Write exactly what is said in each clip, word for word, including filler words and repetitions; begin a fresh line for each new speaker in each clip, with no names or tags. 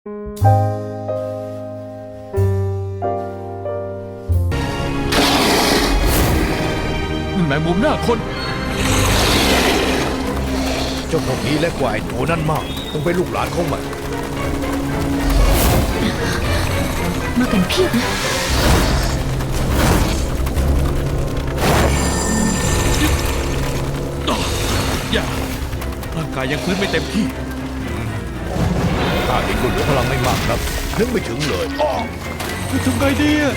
นั่นแมงมุมหน้าคน
เจ้าพวกนี้เล็กกว่าไอ้ตัวนั่นมากคงเป็นลูกหลานของมัน
มากันเพียบนะ
อย่าร่างกายยังฟื้นไม่เต็มที่
ข้าเองก็เหลือพลังไม่มากครับนึกไม่ถึงเลยอ้อ
ทำไงดีอะ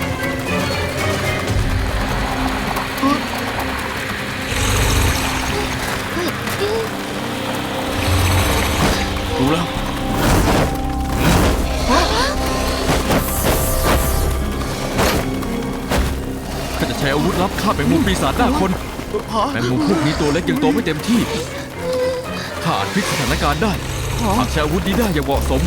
รู้แล้วข้าจะใช้อาวุธลับฆ่าแมงมุมปีศาจหน้าคนแมงมุมพวกนี้ตัวเล็กยังโตไม่เต็มที่ข้าอาจพลิกสถานการณ์ได้หากใช้อาวุธนี้ได้อย่างเหมาะสม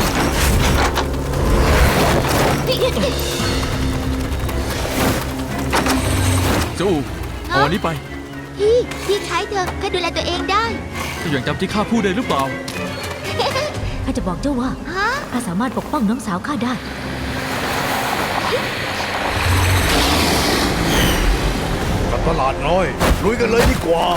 เจ้าอูเอาอันนี้ไป
พี่พี่ใช้เถอะข้าดูแลตัวเองได้
เจ้ายังจำที่ข้าพูดได้หรือเปล่า
ข้าจะบอกเจ้าว่าข้าสามารถปกป้องน้องสาวข้าได้
กับตลาดน้อยลุยกันเลยดีกว่า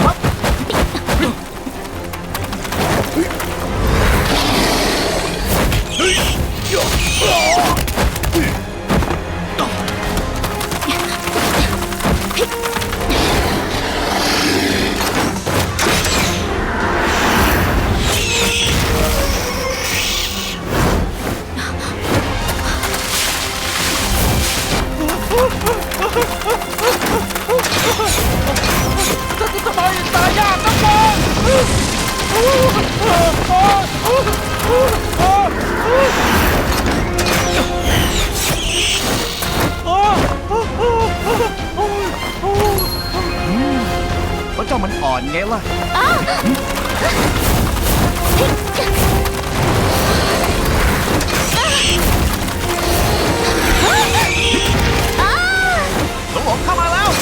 ทำไมตายยากนักบอล
เพราะเจ้ามันอ่อนไงล่ะหลงหลงเข้ามาแล้ว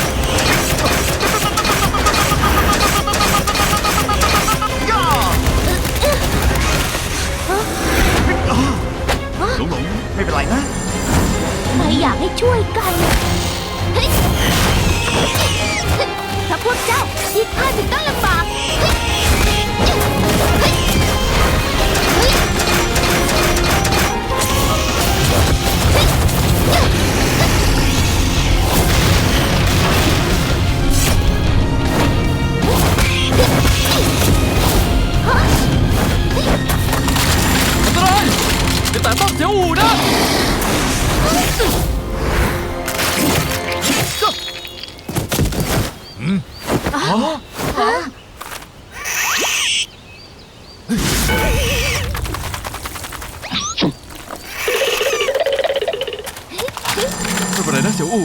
หลงหลงไม่เป็นไรนะ
ไม่อยากให้ช่วยกันถ้าพวกเจ้าที่ข้าถึงต้องลำบาก
อันตรายจะแต่ต้องเสียวอู่นะไม่เป็นไรนะเสี่ยวอู่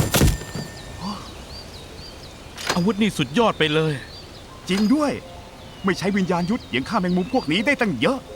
อาวุธนี่สุดยอดไปเลย
จริงด้วยไม่ใช้วิญญาณยุทธยังฆ่าแมงมุมพวกนี้ได้ตั้งเยอะ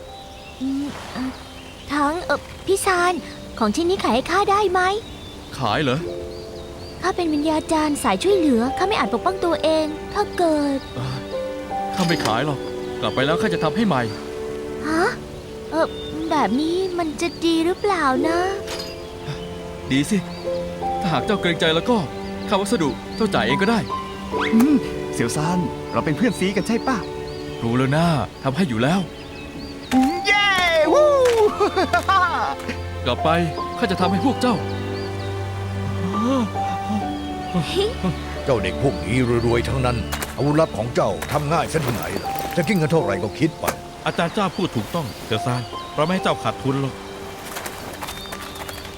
ทั้งเออพี่ซานของชิ้นนี้ขายให้ข้าได้ไหม
ขายเหรอ
ข้าเป็นวิญญาจารย์สายช่วยเหลือข้าไม่อาจปกป้องตัวเองถ้าเกิด
ข้าไม่ขายหรอกกลับไปแล้วข้าจะทำให้ใหม่
ฮะเออแบบนี้มันจะดีหรือเปล่านะ
ดีสิถ้าหากเจ้าเกรงใจแล้วก็ค่าวัสดุเจ้าจ่ายเองก็ได้
เสี่ยวซานเราเป็นเพื่อนซีกันใช่ป่ะ
รู้แล้วนะทำให้อยู่แล้ว
เย้วู้
กลับไปข้าจะทำให้พวกเจ้า
เจ้าเด็กพวกนี้รวยๆทั้งนั้นอาวุธลับของเจ้าทำง่ายซะที่ไหนล่ะจะกินกันเท่าไหร่ก็คิดไป
อาจารย์เจ้าพูดถูกต้องเสี่ยวซานเราไม่ให้เจ้าขาดทุนหรอก